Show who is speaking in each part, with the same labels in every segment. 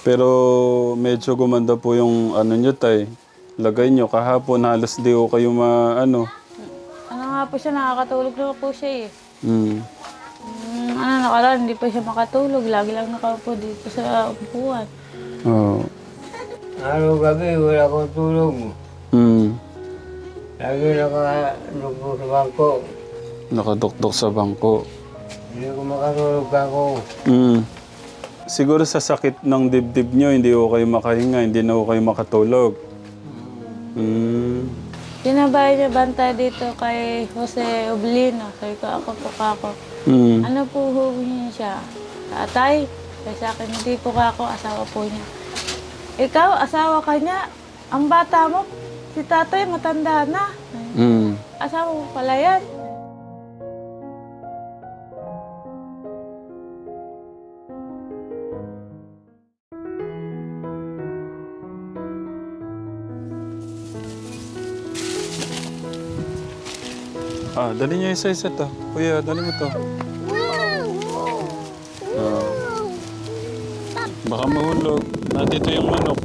Speaker 1: Pero medyo gumanda po yung ano nyo, tay. Lagay nyo. Kahapon halos di ko kayo ano.
Speaker 2: Ano nga po siya, nakakatulog na po siya eh.
Speaker 1: Hmm.
Speaker 2: Ano, nakaraan, hindi pa siya makatulog. Lagi lang nakaupo dito sa upuan.
Speaker 1: Oo.
Speaker 3: Araw-gabi, wala akong tulog.
Speaker 1: Hmm.
Speaker 3: Lagi nakalupo sa bangko.
Speaker 1: Nakadukdok sa bangko.
Speaker 3: Hindi ko makatulog ako.
Speaker 1: Hmm. Siguro sa sakit ng dibdib nyo, hindi ko kayo makahinga, hindi na ko kayo makatulog. Hmm.
Speaker 2: Pinabay niya banta dito kay Jose Oblino. Sabi ko, ako po kako.
Speaker 1: Hmm.
Speaker 2: Ano po huwag siya? Tatay? Sabi sa akin, hindi po kako, asawa po niya. Ikaw, asawa ka niya. Ang bata mo, si tatay matanda na.
Speaker 1: Hmm.
Speaker 2: Asawa mo pala yan.
Speaker 1: Dali niyo isa-isa to. Kuya, dali mo to. Baka mahulog. Nandito yung manok.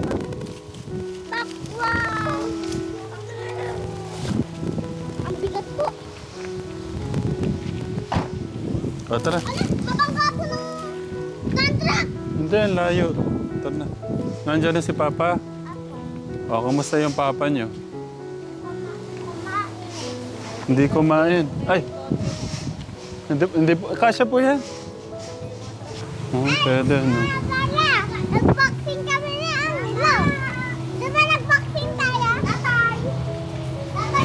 Speaker 4: Ang bigat po.
Speaker 1: Tara.
Speaker 4: Mabangga po ng kantra.
Speaker 1: Hindi, ang layo. Tara na. Nandiyan na si Papa. Kamusta yung Papa niyo? Hindi kumain. Ay! Hindi po. Kasya po yan. Pwede, no?
Speaker 4: Kaya, nag-boxing kami ni Angelo. Diba nag-boxing tayo? Tatay. Tatay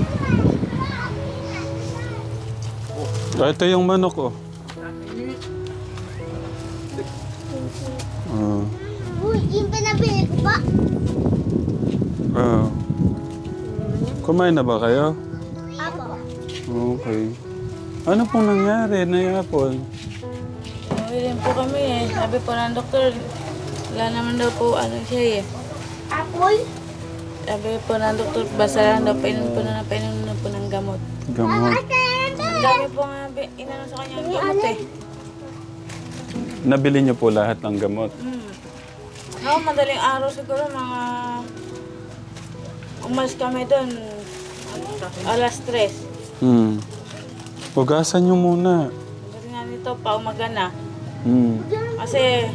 Speaker 4: na
Speaker 1: Ito yung manok, oh.
Speaker 4: Uy, yung pinabili ko pa.
Speaker 1: Kumain na ba kayo?
Speaker 4: Apo.
Speaker 1: Okay. Ano pong nangyari na Apple?
Speaker 2: Umilim po kami eh. Sabi po ng doktor, wala naman daw po ano siya eh.
Speaker 4: Apple?
Speaker 2: Sabi po ng doktor, basta lang daw painom na po ng gamot.
Speaker 1: Gamot.
Speaker 2: Ang dami po nga inano sa kanya ng gamot eh.
Speaker 1: Nabili niyo po lahat ng gamot?
Speaker 2: Madaling araw siguro mga umalis kami doon. Alas 3.
Speaker 1: Hugasan niyo muna.
Speaker 2: Kasi nga nito, paumaga na. Kasi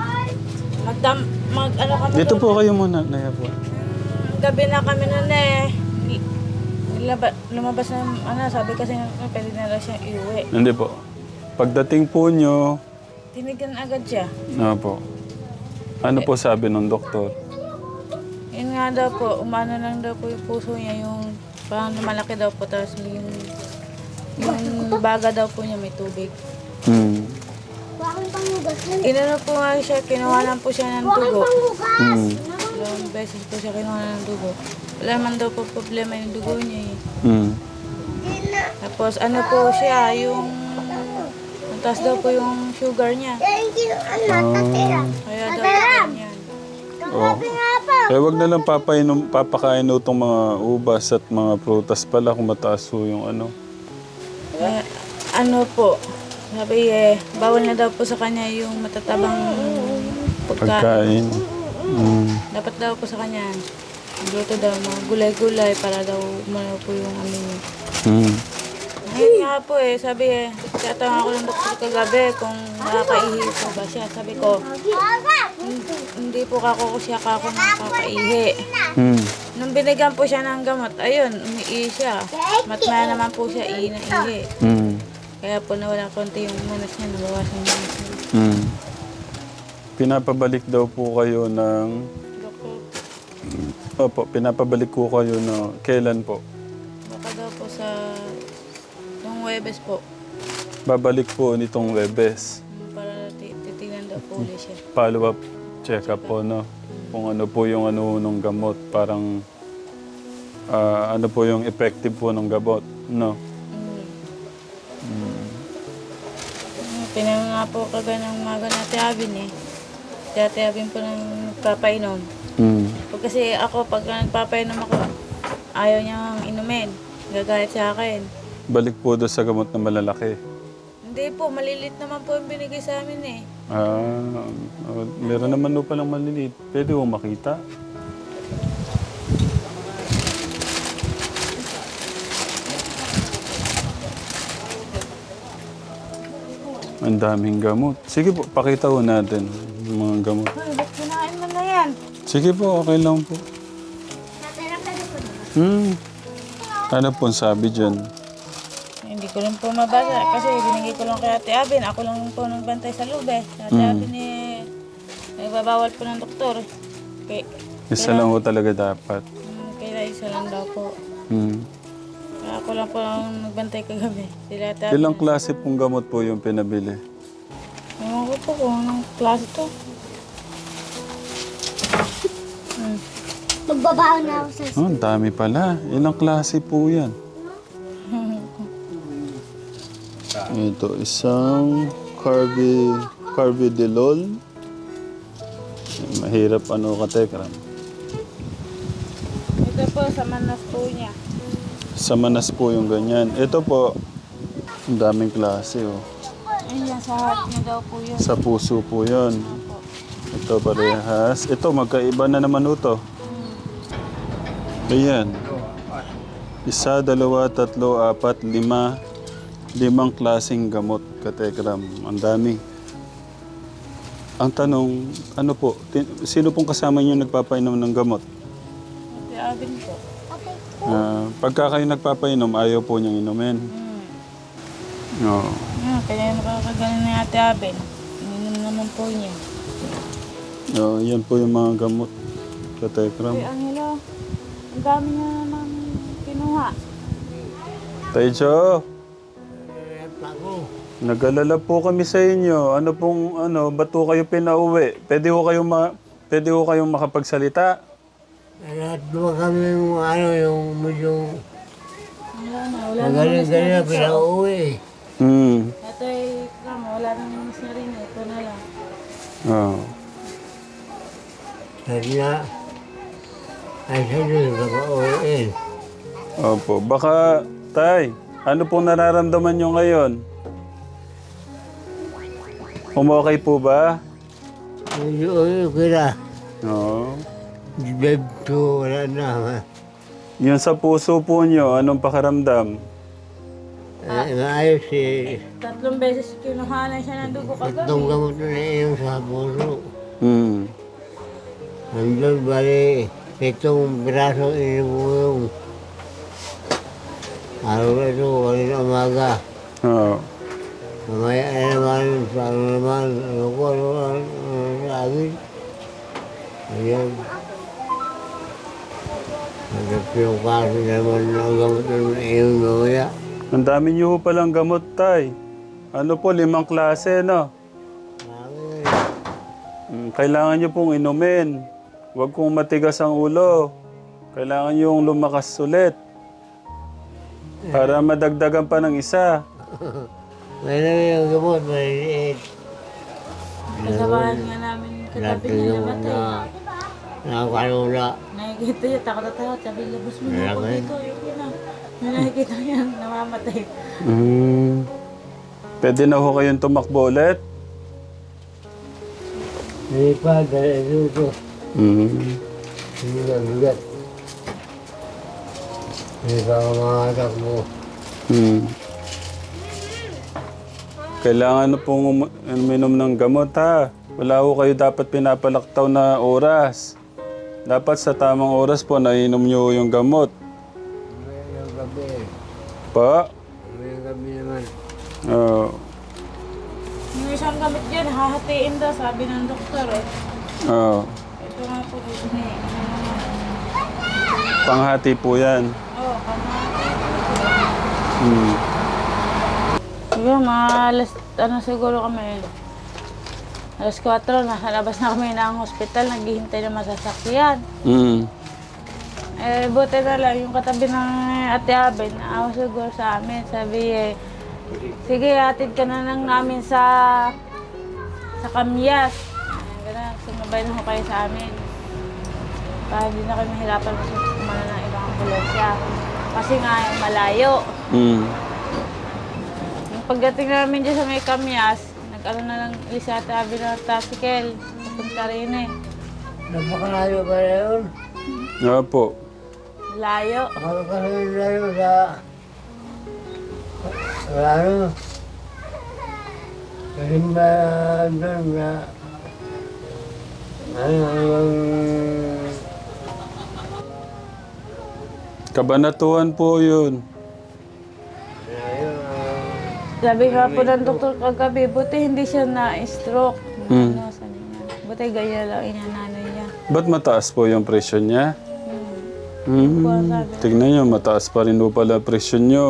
Speaker 2: ano kami
Speaker 1: Dito
Speaker 2: doon,
Speaker 1: po kayo muna, Naya po.
Speaker 2: gabi na kami noon eh. Lumabas na, sabi kasi pwede na lang siyang iuwi.
Speaker 1: Hindi po. Pagdating po niyo,
Speaker 2: Tinigan agad siya.
Speaker 1: po. Ano po sabi ng doktor?
Speaker 2: Yun nga daw po, umano lang daw po yung puso niya, yung parang malaki daw po, tapos yung baga daw po niya may tubig.
Speaker 4: Bakit panghugas na?
Speaker 2: Inano po nga siya, kinuha lang po siya ng
Speaker 4: Bakit
Speaker 2: dugo.
Speaker 4: panghugas?
Speaker 2: Dalawang beses po siya kinuha ng dugo. Wala man daw po problema yung dugo niya eh. Tapos ano po siya, yung taas daw po yung sugar niya.
Speaker 4: Yan yung tatira.
Speaker 2: Kaya daw po ganyan.
Speaker 4: Grabe nga po.
Speaker 1: Wag na lang papakain itong mga ubas at mga prutas pala kung mataas po yung ano.
Speaker 2: Ano po, sabi bawal na daw po sa kanya yung matatabang pagkain.
Speaker 1: Pagkain.
Speaker 2: Dapat daw po sa kanya, luto daw mga gulay-gulay para daw umano po yung ano niya. Ngayon nga po sabi tiyatawag ako ng doktor kagabi kung nakakaihi po ba siya. Sabi ko, hindi po kako siya nakakaihi. Nung binigyan po siya ng gamot, ayun, umiihi siya. Matmaya naman po siya ihi na ihi. Kaya po nawala konti yung manas niya, nabawasan niya.
Speaker 1: Pinapabalik daw po kayo ng...
Speaker 2: Doktor,
Speaker 1: Opo, pinapabalik ko kayo na kailan po?
Speaker 2: baka daw po sa nung Huwebes po.
Speaker 1: Babalik po nitong Webes.
Speaker 2: Para titignan daw po ulit siya.
Speaker 1: Follow-up check-up po, no? Kung ano po yung ano ng gamot. Parang ano po yung effective po ng gamot, no?
Speaker 2: Pinang nga po kaga ng maga na tiyabin eh. Tiyabin po ng papainom. Pag kasi ako, pag nagpapainom ako, ayaw niyang inumin. Gagalit sa akin.
Speaker 1: Balik po doon sa gamot na malalaki.
Speaker 2: Hindi po, malilit naman po yung binigay sa amin eh.
Speaker 1: Meron naman po palang maliliit. Pwede mo makita. Ang daming gamot. Sige po, pakita ko natin yung mga gamot.
Speaker 2: Hoy, ba't kinain mo na yan?
Speaker 1: Sige po, okay lang po.
Speaker 4: Natira ka na po.
Speaker 1: Ano po sabi dyan?
Speaker 2: Hindi ko rin po mabasa kasi binigay ko lang kay Ate Abin. Ako lang po nagbantay sa loob eh. Ate Abin eh, nagbabawal po ng doktor.
Speaker 1: Isa lang po talaga dapat.
Speaker 2: Kaya isa lang daw po.
Speaker 1: Hmm.
Speaker 2: Kaya ako lang po ang nagbantay kagabi. Sila Ate Abin.
Speaker 1: Ilang klase pong gamot po yung pinabili?
Speaker 2: Ewan ko po kung anong klase to.
Speaker 4: Magbabaon na ako sa...
Speaker 1: Oh, ang dami pala. Ilang klase po yan? Ito, isang carvedilol. Mahirap katekram.
Speaker 2: Ito po sa manas po niya.
Speaker 1: Sa manas po yung ganyan. Ito po, ang daming klase oh.
Speaker 2: Ayun yan, sa heart niya daw po yun.
Speaker 1: Sa puso po yun. Ito parehas. Ito, magkaiba na naman ito. Ayan. 1, 2, 3, 4, 5. 5 klaseng gamot, katekram. Ang dami. Ang tanong, ano po, sino pong kasama niyo nagpapainom ng gamot?
Speaker 2: Ate Abin po.
Speaker 1: Pagka kayo nagpapainom, ayaw po niyang inumin. Oo.
Speaker 2: Kaya nakakagaling na Ate Abin. Ininom naman po niya.
Speaker 1: Yan po yung mga gamot, katekram.
Speaker 2: Ay, Angelo, ang dami niya naman kinuha.
Speaker 1: Taicho, nag-alala po kami sa inyo. Ano pong, ba't po kayo pinauwi? Pwede ko kayong makapagsalita?
Speaker 3: Lahat naman kami yung medyo
Speaker 2: Wala na
Speaker 3: magaling-galing na pinauwi.
Speaker 2: Ito ay, wala nang mas na rin. Ito na lang.
Speaker 1: Oo.
Speaker 3: Sabi na, ay siya doon nakauwi.
Speaker 1: Opo. Baka, Tay, ano pong nararamdaman nyo ngayon? Okay po ba?
Speaker 3: Medyo okay na.
Speaker 1: Oo.
Speaker 3: Beb to, wala na.
Speaker 1: Yung sa puso po nyo, anong pakiramdam?
Speaker 3: Maayos eh.
Speaker 2: 3 beses kinuhanan siya ng dugo kagabi.
Speaker 3: Itong gamot na iyon sa puso.
Speaker 1: Hmm.
Speaker 3: Nandun bali, itong braso inibulong. Araw na ito, kanina umaga.
Speaker 1: Oo.
Speaker 3: Mamaya na naman, paano naman, ano sabi. Ayan. Nagpiyong kaso naman ang gamot na iyon mamaya.
Speaker 1: Ang dami nyo po palang gamot, Tay. Ano po, 5 klase, no? Kailangan nyo pong inumin. Huwag kong matigas ang ulo. Kailangan nyo yung lumakas ulit. Para madagdagan pa ng isa.
Speaker 3: May naman yung gamot, maliliit.
Speaker 2: Kasabahan nga namin katabi
Speaker 3: Natin
Speaker 2: niya
Speaker 3: yung
Speaker 2: namatay.
Speaker 3: nakakalula.
Speaker 2: Nakikita niya, takot na takot. Sabi, labas mo na ako
Speaker 3: Malaki.
Speaker 2: dito. Yun na. May nakikita niya, namamatay.
Speaker 1: Pwede na ho kayong tumakbo ulit?
Speaker 3: Hindi pa, dahil ito. Hindi na bigat. Hindi pa ako makatakbo.
Speaker 1: Kailangan na pong uminom ng gamot, ha? Wala ho kayo dapat pinapalaktaw na oras. Dapat sa tamang oras po, nainom nyo yung gamot.
Speaker 3: May yung gabi.
Speaker 1: Pa?
Speaker 3: May yung gabi naman.
Speaker 1: Oo.
Speaker 2: Yung isang gamit dyan, hahatiin daw, sabi ng doktor eh.
Speaker 1: Oo.
Speaker 2: Ito nga po, ito na eh.
Speaker 1: Panghati po yan.
Speaker 2: Oo, kamahati.
Speaker 1: Hmm.
Speaker 2: Siguro, mga siguro kami. Alas 4, nasa labas na kami ng hospital, naghihintay na masasakyan. Buti na lang, yung katabi ng Ate Abin, naawa siguro sa amin. Sabi sige, atid ka na lang namin sa Kamyas. Ganun, sumabay na ho kayo sa amin. Para hindi na kayo mahirapan kumana ng ibang ambulansya. Kasi nga, malayo. Yung pagdating namin dyan sa may Kamyas, nag-ano na lang isa tabi ng tricycle. Papunta rin eh.
Speaker 3: Napakalayo pa na yun.
Speaker 1: Nga po.
Speaker 2: Layo.
Speaker 3: Makakalayo sa... Ano? Kasi ba doon na...
Speaker 1: Kabanatuan po yun.
Speaker 2: Sabi nga po ng doktor kagabi, buti hindi siya na-stroke.
Speaker 1: Mm.
Speaker 2: Ano, sabi niya. Buti ganyan lang inananay niya.
Speaker 1: Ba't mataas po yung presyon niya? Tignan nyo, mataas pa rin po pala presyon nyo.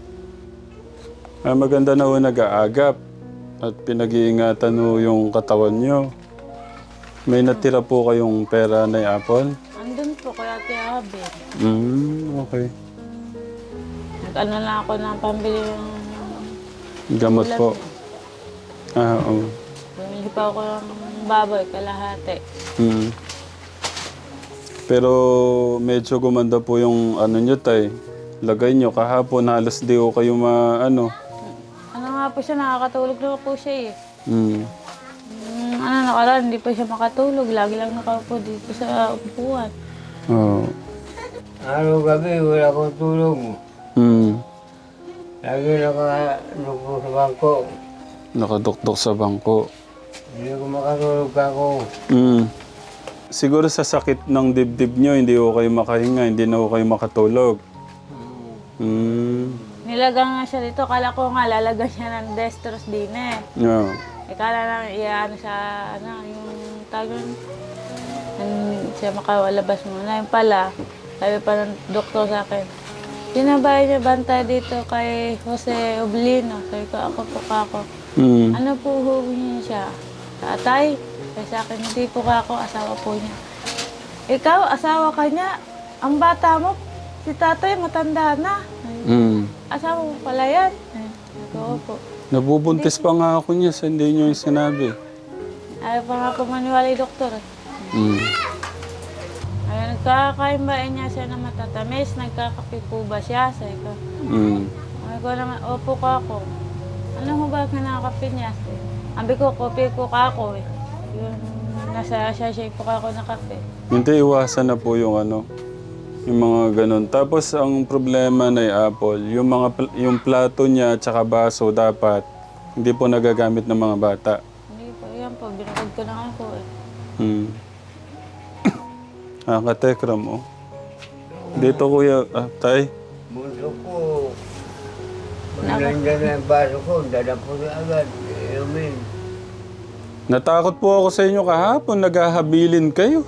Speaker 1: Maganda na ho nag-aagap at pinag-iingatan ho yung katawan nyo. May natira po kayong pera na Apple?
Speaker 2: Andun po kaya tiyabi.
Speaker 1: Okay.
Speaker 2: Nag-ano lang ako ng pambili ng
Speaker 1: Gamot po. Oo.
Speaker 2: bumili pa ako ng baboy, kalahati.
Speaker 1: Pero medyo gumanda po yung ano nyo, tay. Lagay nyo, kahapon halos di ho kayo
Speaker 2: Ano nga po siya, nakakatulog na po siya eh. Nakaraan, hindi pa siya makatulog. Lagi lang nakaupo dito sa upuan.
Speaker 1: Oo.
Speaker 3: Araw gabi, wala akong tulog. Lagi nakadukdok sa bangko.
Speaker 1: Nakadukdok sa bangko.
Speaker 3: Hindi ko makatulog ako.
Speaker 1: Siguro sa sakit ng dibdib nyo, hindi ho kayo makahinga, hindi na ho kayo makatulog.
Speaker 2: Nilagang nga siya dito. Kala ko nga lalagyan siya ng dextrose din eh.
Speaker 1: Yeah.
Speaker 2: Kala lang iyan sa yung tagon. Siya makawalabas muna. Yung pala, sabi pa ng doktor sa akin, sinabay niya bantay dito kay Jose Oblino. Sabi ko, ako po kako. Ano po huwi niya siya? Tatay? Sabi sa akin, hindi po kako, asawa po niya. Ikaw, asawa ka niya. Ang bata mo, si tatay matanda na. Asawa mo pala yan. Oo po.
Speaker 1: Nabubuntis pa nga ako niya, sa hindi nyo yung sinabi.
Speaker 2: Ayaw pa nga po maniwala yung doktor. Ayaw, nagkakain ba niya siya na matatamis? Nagkakape po ba siya? Sabi ko. Sabi ko naman, opo ka ako. Ano mo ba kinakape niya? Sabi ko, kopi ko ka ako eh. Yung nasa sachet po ka ako na kape.
Speaker 1: Hindi, iwasan na po yung ano, yung mga ganun. Tapos ang problema na Apple, yung plato niya at saka baso dapat hindi po nagagamit ng mga bata.
Speaker 2: Hindi po, yan po. Binukod ko na nga po eh.
Speaker 1: Katekram oh. Dito kuya, tay.
Speaker 3: Bunso ko. Pag nandiyan na yung baso ko, dadapo na agad. Inumin.
Speaker 1: Natakot po ako sa inyo kahapon, naghahabilin kayo.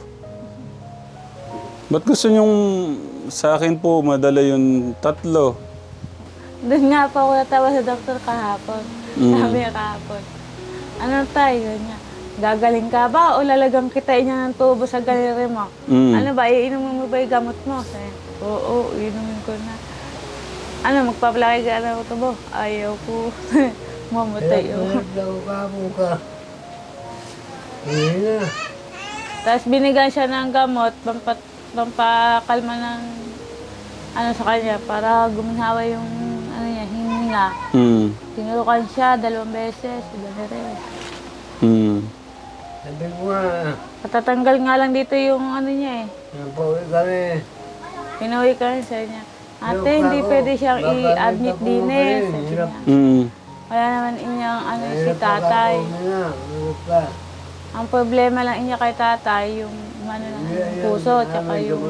Speaker 1: Ba't gusto nyong sa akin po madala yung 3?
Speaker 2: Doon nga po ako natawa sa doktor kahapon. Sabi niya kahapon, ano tayo? Ganyan. Gagaling ka ba o lalagang kitain niya ng tubo sa galere mo? Ano ba, iinumin mo ba yung gamot mo? Sabi, oo, iinumin ko na. Ano, magpapalaki ka na tubo? Ayaw ko. Mamatay ako.
Speaker 3: Ka. Hindi na.
Speaker 2: Tapos binigyan siya ng gamot, pampakalma ng ano sa kanya, para gumanhawa yung ano niya, hininga. Tinurukan siya 2 beses, ganun.
Speaker 3: Sabi ko nga,
Speaker 2: Patatanggal nga lang dito yung ano niya eh.
Speaker 3: napawi kami.
Speaker 2: Pinuwi kami sa niya. Ate, hindi pwede siyang i-admit din eh. Sabi niya. Kaya naman inyang ano si tatay. Ang problema lang inya kay tatay, yung ano ng puso, tsaka yung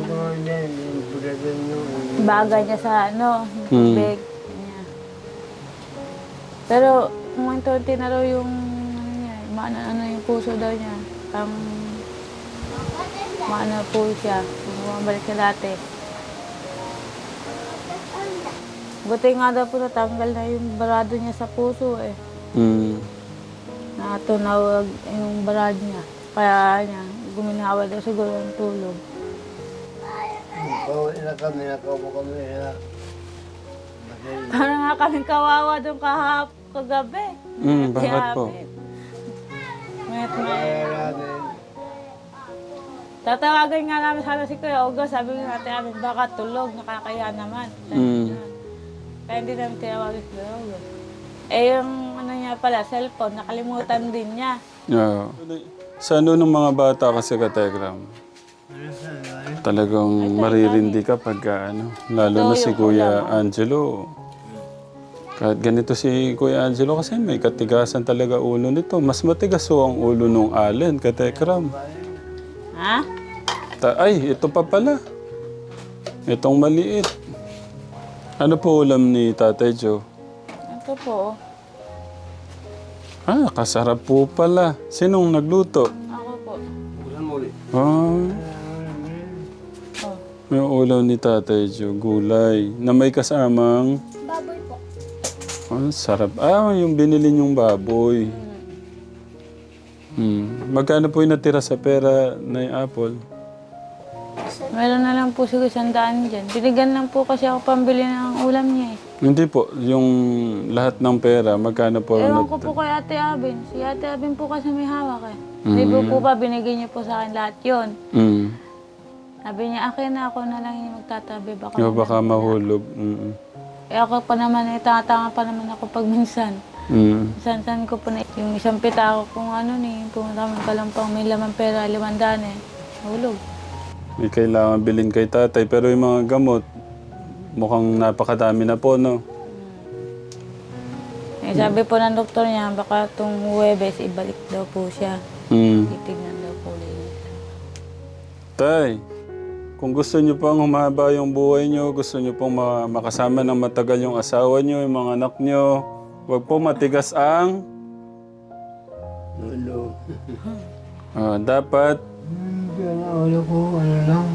Speaker 2: bagay niya sa ano, yung tubig niya. Pero kumunti na raw yung ano niya, ano yung puso daw niya. Maano po siya, bumabalik siya dati. Buti nga daw po natanggal na yung barado niya sa puso eh. Natunawag yung barado niya. Kaya niya, guminawa daw siguro ng tulog.
Speaker 3: Bawi na kami, nakaupo kami na.
Speaker 2: Parang nga kaming kawawa doon kagabi.
Speaker 1: Bakit po?
Speaker 2: Mayat
Speaker 3: Kaya namin,
Speaker 2: Tatawagan nga namin sana si Kuya Ugo. Sabi nga natin amin, baka tulog, nakakaya naman. Kaya hindi namin tinawagan si Kuya Ugo. Eh yung ano niya niya pala, cellphone, nakalimutan din niya.
Speaker 1: Yeah. Sa ano ng mga bata kasi kategram, talagang maririndi ka pagka ano, lalo na si Kuya Angelo. Kahit ganito si Kuya Angelo kasi may katigasan talaga ulo nito. Mas matigas ho ang ulo nung Allen, katekram.
Speaker 2: Ha?
Speaker 1: Ay, ito pa pala. Itong maliit. Ano po ulam ni Tatay Joe?
Speaker 2: Ito po.
Speaker 1: Ah, kasarap po pala. Sinong nagluto?
Speaker 2: Ako po.
Speaker 1: Ah,
Speaker 2: Oh.
Speaker 1: may ulam ni Tatay Joe, gulay, na may kasamang...
Speaker 4: Baboy po.
Speaker 1: Ah, sarap. Ah, yung binili niyong baboy. Magkano po yung natira sa pera na yung apple?
Speaker 2: Meron na lang po siguro 100 dyan. Binigyan lang po kasi ako pambili ng ulam niya eh.
Speaker 1: Hindi po, yung lahat ng pera, magkano po?
Speaker 2: Ewan ko po kay Ate Abin. Si Ate Abin po kasi may hawak eh. Hindi po ba binigay niyo po sa akin lahat yun. Sabi niya, akin na ako na lang yung magtatabi.
Speaker 1: Baka mahulog.
Speaker 2: Eh ako pa naman, tatanga pa naman ako pag minsan. San-san ko po na yung isang pita ko kung ano ni, pumunta kami Kalampang, may laman pera, 500 eh. Hulog.
Speaker 1: May kailangan bilhin kay tatay, pero yung mga gamot, mukhang napakadami na po, no?
Speaker 2: Eh, sabi po ng doktor niya, baka itong Huwebes, ibalik daw po siya. Titignan daw po ulit.
Speaker 1: Tay, kung gusto niyo pang humaba yung buhay niyo, gusto niyo pong makasama ng matagal yung asawa niyo, yung mga anak niyo, huwag po matigas ang...
Speaker 3: Ulo.
Speaker 1: Dapat...
Speaker 3: Diyan ang ulo ko, ano lang.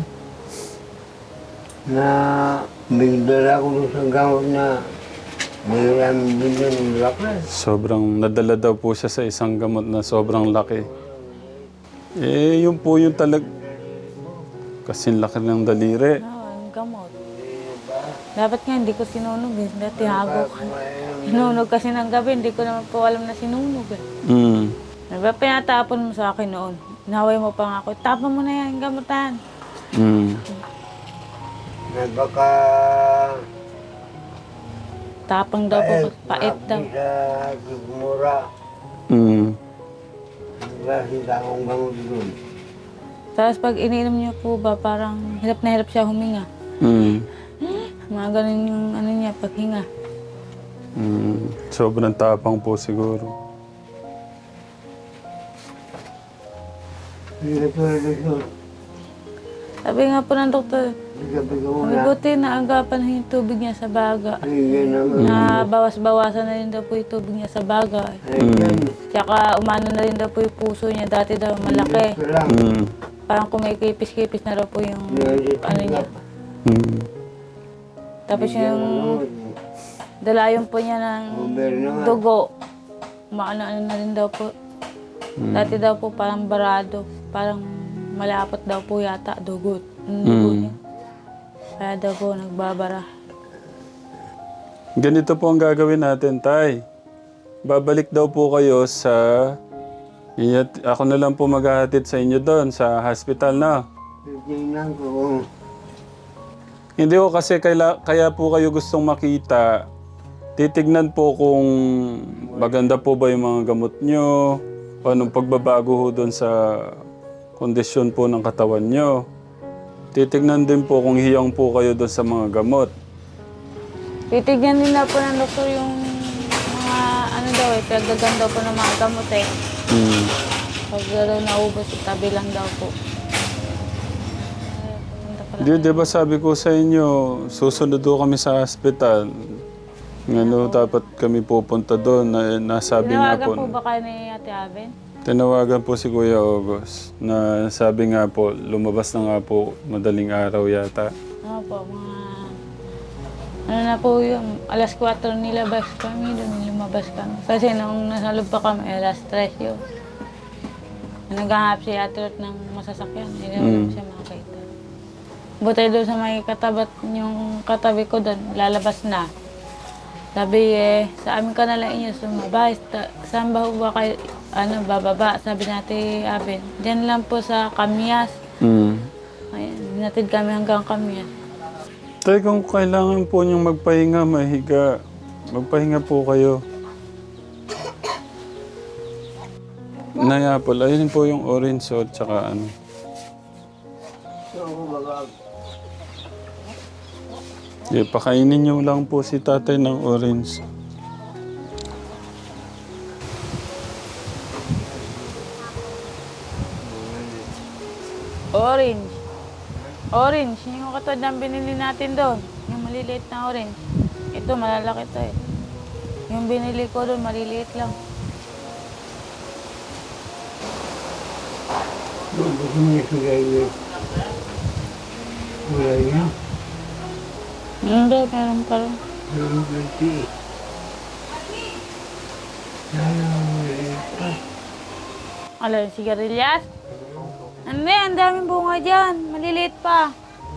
Speaker 3: Na bigdala ko doon sa gamot na mayroon bilhin ng laki.
Speaker 1: Sobrang nadala daw po siya sa isang gamot na sobrang laki. Eh, yun po yung kasing laki ng daliri.
Speaker 2: Ang gamot. Dapat nga hindi ko sinunog eh. Dati hago ko. Sinunog kasi ng gabi, hindi ko naman po alam na sinunog eh. Diba pinatapon mo sa akin noon? Naway mo pa nga ako, tapon mo na yan, gamutan.
Speaker 3: Na baka
Speaker 2: Tapang daw po, pait daw.
Speaker 3: sa sigmura. Kasi takong gamot doon.
Speaker 2: Tapos pag ininom niyo po ba, parang hirap na hirap siya huminga. Mga ganun yung ano niya, paghinga.
Speaker 1: Sobrang tapang po siguro.
Speaker 3: Hindi ka tulad doon.
Speaker 2: Sabi nga po ng doktor,
Speaker 3: Sabi ko
Speaker 2: sabi
Speaker 3: muna.
Speaker 2: buti na agapan na yung tubig niya sa baga.
Speaker 3: Sige naman.
Speaker 2: Na bawas-bawasan na rin daw po yung tubig niya sa baga. Tsaka umano na rin daw po yung puso niya, dati daw malaki.
Speaker 3: Ito lang.
Speaker 2: Parang kumikipis-kipis na daw po yung ano niya. Tapos yung dalayon po niya ng dugo, maano-ano na rin daw po. Dati daw po parang barado, parang malapot daw po yata dugo. Dugo niya. Kaya daw po nagbabara.
Speaker 1: Ganito po ang gagawin natin, Tay. Babalik daw po kayo sa... Ako na lang po maghahatid sa inyo doon, sa hospital na.
Speaker 3: Tingnan ko kung
Speaker 1: Hindi ko kasi kaya po kayo gustong makita. Titignan po kung maganda po ba yung mga gamot nyo, anong pagbabago ho doon sa kondisyon po ng katawan nyo. Titignan din po kung hiyang po kayo doon sa mga gamot.
Speaker 2: Titignan din na po ng doktor yung mga ano daw eh, pinagdagan daw po ng mga gamot eh. Pag daw naubos, tabi lang daw po.
Speaker 1: Di ba sabi ko sa inyo, susunod do kami sa hospital. Ano, dapat kami pupunta doon. Nasabi nga
Speaker 2: Tinawagan
Speaker 1: po.
Speaker 2: po ba kayo ni Ate Aben?
Speaker 1: Tinawagan po si Kuya August na sabi nga po, lumabas na nga po madaling araw yata.
Speaker 2: Ano po, mga... Ano na po yun, alas 4 nilabas kami, doon lumabas kami. Kasi nung nasa loob pa kami, alas 3 yun. Naghahanap si Ate Ruth ng masasakyan, hindi naman siya makakita. Buti doon sa may katabat, yung katabi ko doon, lalabas na. Sabi sa amin ka na lang inyo sumabay. Saan ba kayo, bababa? Sabi natin, Aben, diyan lang po sa Kamyas. Ayan, binatid kami hanggang Kamyas.
Speaker 1: Tay, kung kailangan po niyong magpahinga, mahiga, magpahinga po kayo. Apple, ayun po yung orange o tsaka ano.
Speaker 3: So, kumbaga,
Speaker 1: Pakainin niyo lang po si tatay ng orange.
Speaker 2: Orange. Orange. Yung katod ng binili natin doon. Yung maliliit na orange. Ito, malalaki to eh. Yung binili ko doon, maliliit lang.
Speaker 3: gusto mo yung sugay. Sugay niya.
Speaker 2: Hindi, meron pa rin.
Speaker 3: Yung ganti.
Speaker 2: Ano, yung sigarilyas? Hindi, ang daming bunga dyan. Maliliit pa.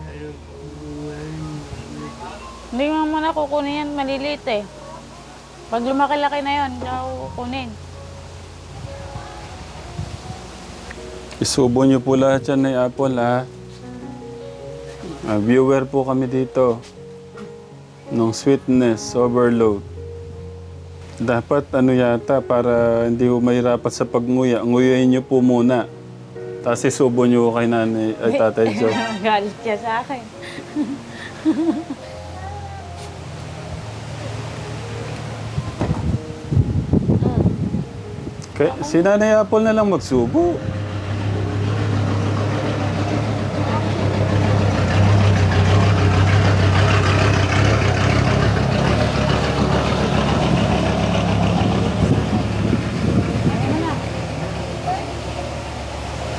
Speaker 2: Hindi mo muna kukunin yan, maliliit eh. Pag lumaki-laki na yun, hindi ako kukunin.
Speaker 1: Isubo niyo po lahat yan na Apple, ha? Viewer po kami dito. Nung sweetness, overload. Dapat ano yata, para hindi po mahirapat sa pagnguya, nguyain niyo po muna. Tapos isubo niyo kay nanay, ay tatay Joe.
Speaker 2: Galit siya sa akin.
Speaker 1: Si nanay Apple na lang magsubo.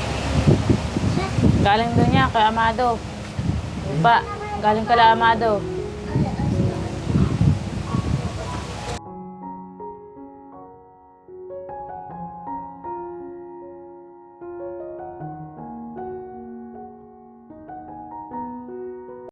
Speaker 2: Galing doon niya kay Amado. Pa, galing kala Amado.